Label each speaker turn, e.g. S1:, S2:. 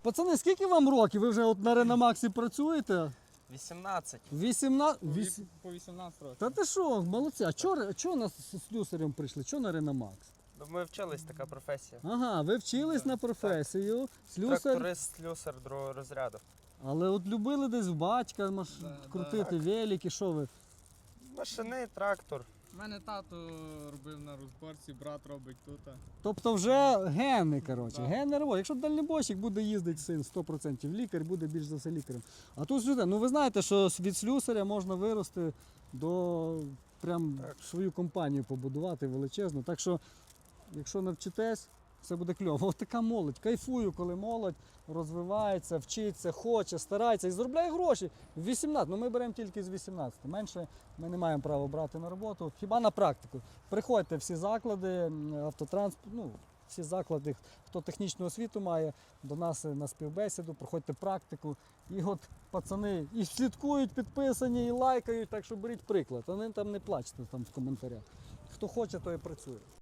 S1: Пацани, скільки вам років? Ви вже от на Реномаксі працюєте?
S2: 18.
S1: 18?
S3: По 18 років.
S1: Та ти що, молодці. А чого нас з слюсарем прийшли? Чого на Реномакс?
S2: Ну, ми вчились, така професія.
S1: Ага, ви вчились на професію. Слюсар.
S2: Тракторист, слюсар другого розряду.
S1: Але от любили десь в батька крутити велики, що ви?
S2: Машини, трактор.
S3: У мене тато робив на розборці, брат робить тут.
S1: Тобто вже гени, коротше,
S3: Да.
S1: гени роботи. Якщо дальнібойщик буде їздити син 100%, лікар буде більш за все лікарем. А тут слюсар, ну ви знаєте, що від слюсаря можна вирости до прям свою компанію побудувати величезну. Так що, якщо навчитесь, все буде кльово. Ось така молодь. Кайфую, коли молодь розвивається, вчиться, хоче, старається і заробляє гроші. В 18, ну ми беремо тільки з 18. Менше ми не маємо права брати на роботу. Хіба на практику. Приходьте всі заклади, автотранспорт, ну, всі заклади, хто технічну освіту має, до нас на співбесіду, проходьте практику. І от пацани і слідкують, підписані, і лайкають, так що беріть приклад. А не там не плачте там в коментарях. Хто хоче, той і працює.